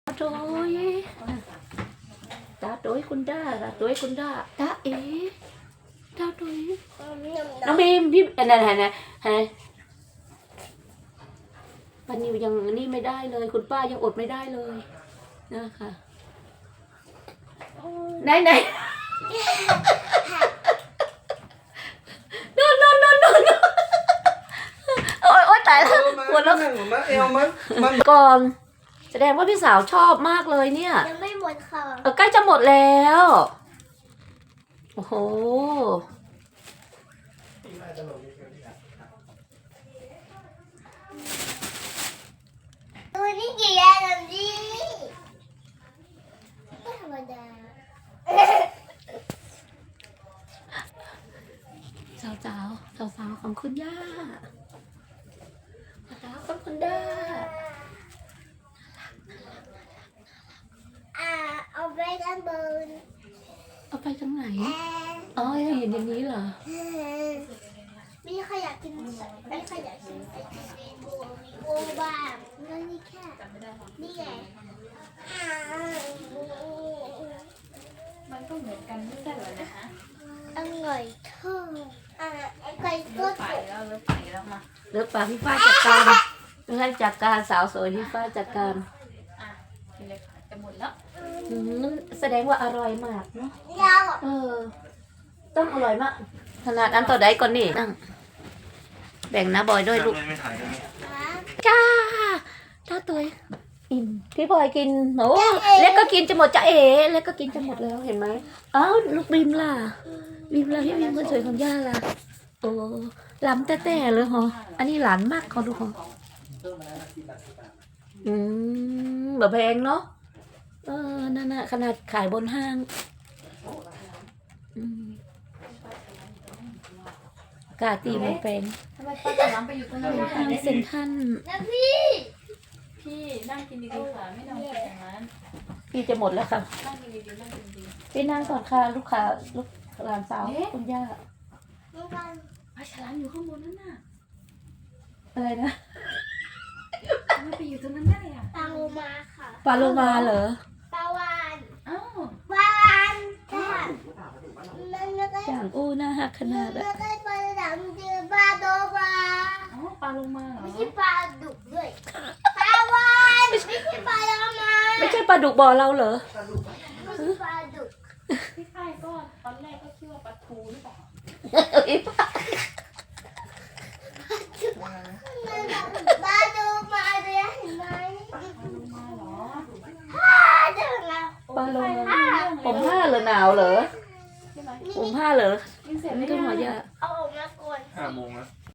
Trời ta tối con đa ta tối con đa ta ế ta tốiน้องบีมพี่ไหนปันนิวยังนี่ไม่ได้เลยคุณป้ายังอดไม่ได้เลยนะคะไหนโน่นโอ๊ยตายแล้วปวดแล้วก่อนแสดงว่าพี่สาวชอบมากเลยเนี่ยยังไม่หมดค่ะใกล้จะหมดแล้วโอ้โหตัวนี้กี่อันแบบนี้ไม่ธรรมดาสาวของคุณย่าสาวของคุณย่าเอาไปด้านบนเอาไปทางไหนอ๋อเห็นอย่างนี้เหรอมีใครอยากกินใส่โอบ้างนี่แค่นี่ไงมันก็เหมือนกันไม่ใช่เหรอนะฮะอร่อยทอดไก่ก็ไปแล้วเลืมาเลือกปลาพี่ฟ้าจัดการเลือกจัดการสาวสวยพี่ฟ้าจัดการกินเลยค่ะจะหมดแล้วแสดงว่าอร่อยมากเนาะต้องอร่อยมากขนาดอันต่อใดก่อนนี่นั่งแบ่งนะบอยด้วยลูกจ้าตัวอิ่มพี่บอยกินโอ้เล็กก็กินจะหมดจ้าเล็กก็กินจะหมดแล้วเห็นไหมอ้าวลูกบีมล่ะพี่บีมคนสวยของย่าล่ะโอ้ล้ำแต่เลยเหรออันนี้หลานมากเขาดูเหรอแบบแพงเนาะนั่นน่ะขนาดขายบนห้างกาตีมันเป็นทำไมป้าจะล้ำไปอยู่ตรงนั้นห้างเซ็นทรัลนะพี่นั่งกินดีๆค่ะไม่นั่งกินอย่างนั้นพี่จะหมดแล้วค่ะนั่งกินดีๆนั่งกินดีพี่นั่งก่อนค่ะลูกหลานสาวคุณย่าปลาฉลามอยู่ข้างบนนั่นน่ะอะไรนะทำไมไปอยู่ตรงนั้นได้อ่ะปลาโลมาค่ะปลาโลมาเหรอปลาวานปลาวานอย่างอู้น่าหักขนาดอะไม่ใช่ปลาดำคือปลาโลมาปลาโลมาเหรอไม่ใช่ปลาดุกด้วยปลาวานไม่ใช่ปลาโลมาไม่ใช่ปลาดุกบ่อเราเหรอไม่ใช่ปลาดุกพี่ฝ้ายก็ตอนแรกก็คิดว่าปลาทูหรือเปล่าปลาโลมาเลยเห็นไหมปลาโลมาเหรอปลาโลมาผมผ้าเหรอหนาวเหรอผมผ้าเหรอกินเสร็จไม่ต้องหัวยาเอาออกมาก่อน 5 โมงแล้ว